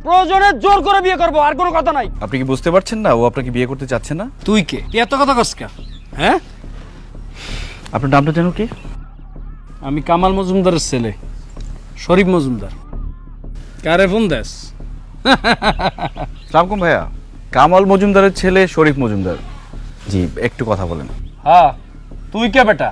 প্রয়োজনে জোর করে বিয়ে করব, আর কোনো কথা নাই। আপনি কি বুঝতে পারছেন না ও আপনাকে বিয়ে করতে চাচ্ছে না? তুই কে? তুই এত কথা কস কা? হ্যাঁ, আপনার নামটা জানো কি? আমি কামাল মজুমদারের ছেলে, শরীফ মজুমদার। কারে ফোন দেস? সালামকুম ভাইয়া, কামাল মজুমদারের ছেলে শরীফ মজুমদার। জি, একটু কথা বলেন। হ্যাঁ, তুই কে বেটা?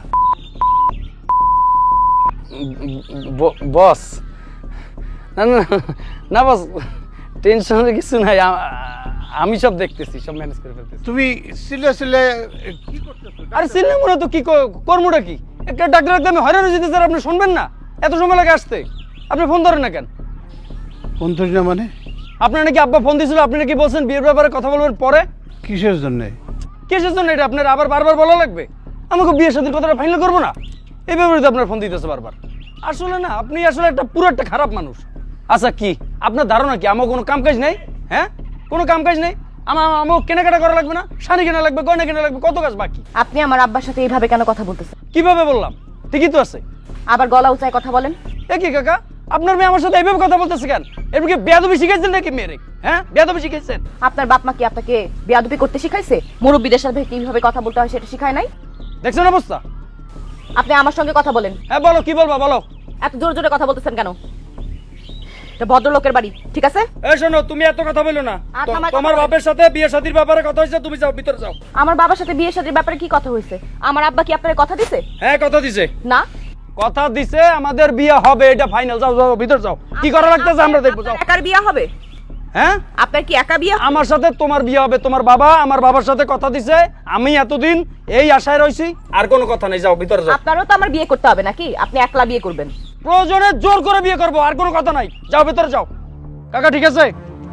বস? না না না বস, টেনশনের কিছু নাই, আমি সব দেখতেছি, সব ম্যানেজ করে ফেলতেছি। তুমি সিলে সিলে কি করতেছো? আরে সিনেমা মনে তো কি কর্মটা কি? একটা ডাক্তার ডাক্তার আমি হয়রান হয়েছি স্যার, আপনি শুনবেন না? এত সময় লাগে আসতে, আপনি ফোন ধরেন না কেন? ফোন ধরি না মানে? আপনার নাকি আব্বা ফোন দিয়েছিল, আপনি নাকি বলছেন বিয়ের ব্যাপারে কথা বলবেন পরে। কিসের জন্য? কিসের জন্য এটা আপনার আবার বারবার বলা লাগবে? আমাকে বিয়ের সাথে কথাটা ফাইনাল করবো না, এই ব্যাপারে তো আপনার ফোন দিতেছে বারবার। আসলে না, আপনি আসলে পুরো একটা খারাপ মানুষ। আচ্ছা কি আপনার ধারণা কি আমার কোনো কাম কাজ নেই? হ্যাঁ, কোনো কাম কাজ নেই? আমার কেনাকাটা করা লাগবে না? শাড়ি কেনা লাগবে, গয়না কেনা লাগবে, কত কাজ বাকি। আপনি আমার আব্বার সাথে এইভাবে কেন কথা বলতেছেন? কিভাবে বললাম? ঠিকই তো আছে। আবার গলা উঁচায় কথা বলেন। এ কি কাকা, আপনার মেয়ে আমার সাথে এইভাবে কথা বলতেছে কেন? এরপর কি বেয়াদবি শিখাইছেন নাকি মেয়েরে? হ্যাঁ, বেয়াদবি শিখাইছেন? আপনার বাপ মা কি আপনাকে বেয়াদবি করতে শিখাইছে? মুরব্বিদের সাথে কিভাবে কথা বলতে হয় সেটা শিখায় নাই? দেখছেন অবস্থা? আপনি আমার সঙ্গে কথা বলেন। হ্যাঁ বলো, কি বলবা বলো। এত জোরে জোরে কথা বলতেছেন কেন? এটা ভদ্রলোকের বাড়ি, ঠিক আছে? এই শোনো, তুমি এত কথা বলো না। আচ্ছা, আমার তোমার কথা বাপের সাথে বিয়ে শাদীর ব্যাপারে কথা হয়েছে, তুমি যাও, ভিতরে যাও। আমার বাবার সাথে বিয়ে শাদীর ব্যাপারে কি কথা হয়েছে? আমার আব্বা কি আপনার কথা দিছে? হ্যাঁ, কথা দিছে। না, কথা দিছে, আমাদের বিয়ে হবে, এটা ফাইনাল। যাও যাও, ভিতর যাও, কি করা লাগতেছে আমরা দেখবো। যাও। একার বিয়ে হবে? হ্যাঁ, আপনার কি একা বিয়ে? আমার সাথে তোমার বিয়ে হবে। তোমার বাবা আমার বাবার সাথে কথা দিছে, আমি এতদিন এই আশায় রইছি। আর কোনো কথা নেই, যাও ভিতরে যাও। আপনারও তো আমার বিয়ে করতে হবে নাকি? আপনি একলা বিয়ে করবেন? প্রয়োজনে জোর করে বিয়ে করবো, আর কোনো কথা নাই। যাও ভিতরে যাও। কাকা ঠিক আছে?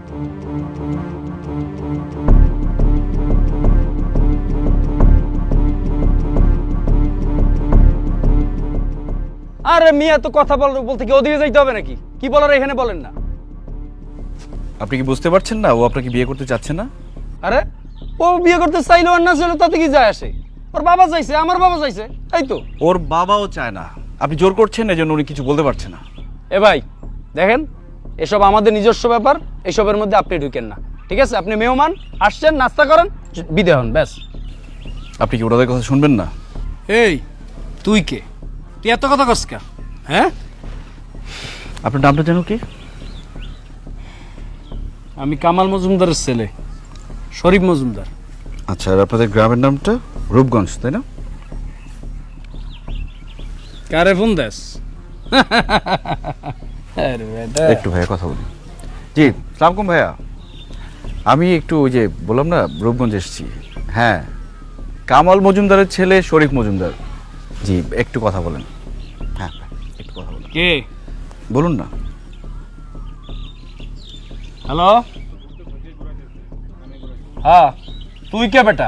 আরে মিয়া, তো কথা বলতে কি ওদিকে যাইতে হবে নাকি? কি বলার এখানে বলেন না। আপনি কি বুঝতে পারছেন না ও আপনাকে বিয়ে করতে চাচ্ছে না? আরে ও বিয়ে করতে চাইলো আর না চাইলো তাতে কি যায় আসে? ওর বাবা চাইছে, আমার বাবা চাইছে, তাই তো। ওর বাবাও চায় না, আপনি জোর করছেন, এজন্য উনি কিছু বলতে পারছে না। এ ভাই দেখেন, এসব আমাদের নিজস্ব ব্যাপার, এসবের মধ্যে আপনি ঢুকেন না, ঠিক আছে? আপনি মেহমান আসছেন, নাস্তা করেন, বিদে হন, ব্যাস। আপনি কি ওনাদের কথা শুনবেন না? এই তুই কে? তুই এত কথা কস কা? হ্যাঁ, আপনার নামটা জানো কি? আমি কামাল মজুমদারের ছেলে, শরীফ মজুমদার। আচ্ছা, আর আপনাদের গ্রামের নামটা? রূপগঞ্জ, তাই না? কারে ফোন দেস? একটু ভাইয়া কথা বলি। জি, সালামকুম ভাইয়া, আমি একটু ওই যে বললাম না রূপগঞ্জ এসেছি। হ্যাঁ, কামাল মজুমদারের ছেলে শরীফ মজুমদার। জি, একটু কথা বলেন। হ্যাঁ, একটু কথা বলেন। কে? বলুন না। হ্যালো, হ্যাঁ তুই কে বেটা?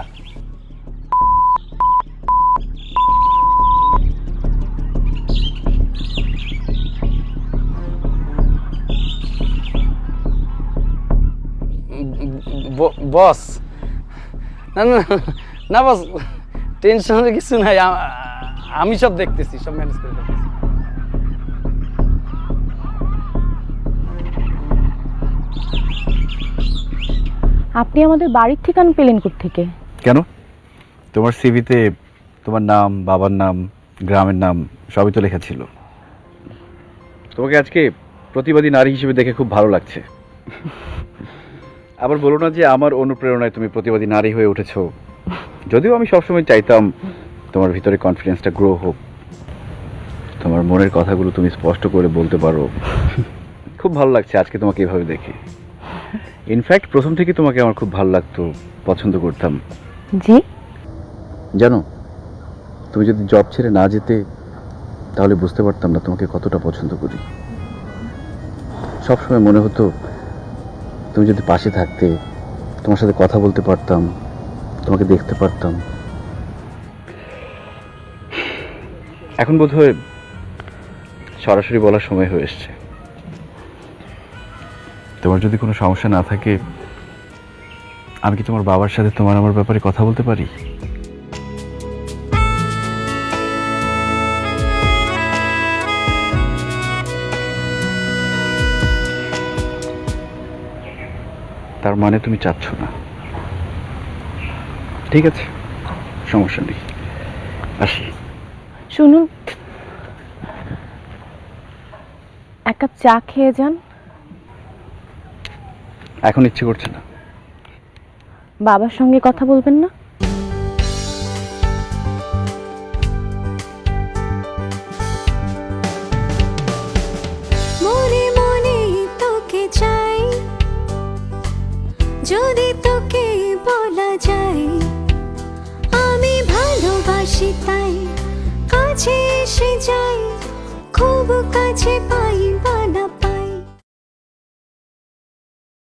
বস? না না না বস, টেনশনের কিছু নাই, আমি সব দেখতেছি, সব ম্যানেজ করে ফেলতেছি। আপনি আমাদের বাড়ির ঠিকানা পেলেন কোত্থেকে? কেন? তোমার সিভিতে তোমার নাম, বাবার নাম, গ্রামের নাম সবই তো লেখা ছিল। তোমাকে আজকে প্রতিবাদী নারী হিসেবে দেখে খুব ভালো লাগছে। আবার বলো না যে আমার অনুপ্রেরণায় তুমি প্রতিবাদী নারী হয়ে উঠেছো। যদিও আমি সবসময় চাইতাম তোমার ভিতরে কনফিডেন্সটা গ্রো হোক, তোমার মনের কথাগুলো তুমি স্পষ্ট করে বলতে পারো। খুব ভালো লাগছে আজকে তোমাকে এভাবে দেখে। ইনফ্যাক্ট প্রথম থেকে তোমাকে আমার খুব ভালো লাগতো, পছন্দ করতাম। জি? জানো, তুমি যদি জব ছেড়ে না যেতে তাহলে বুঝতে পারতাম না তোমাকে কতটা পছন্দ করি। সবসময় মনে হতো তুমি যদি পাশে থাকতে, তোমার সাথে কথা বলতে পারতাম, তোমাকে দেখতে পারতাম। এখন বোধহয় সরাসরি বলার সময় হয়ে এসছে। তোমার যদি কোনো সমস্যা না থাকে, আমি কি তোমার বাবার সাথে তোমার আমার ব্যাপারে কথা বলতে পারি? তার মানে তুমি চাচ্ছ না। ঠিক আছে, সমস্যা নেই, আসি। শুনুন, এক কাপ চা খেয়ে যান। এখন ইচ্ছে করছে না। বাবার সঙ্গে কথা বলবেন না? মনে মনে তোকে চাই, যদি তোকে বলা যায় আমি ভালোবাসি, তাই কাছে এসে যাই, খুব কাছে পাই।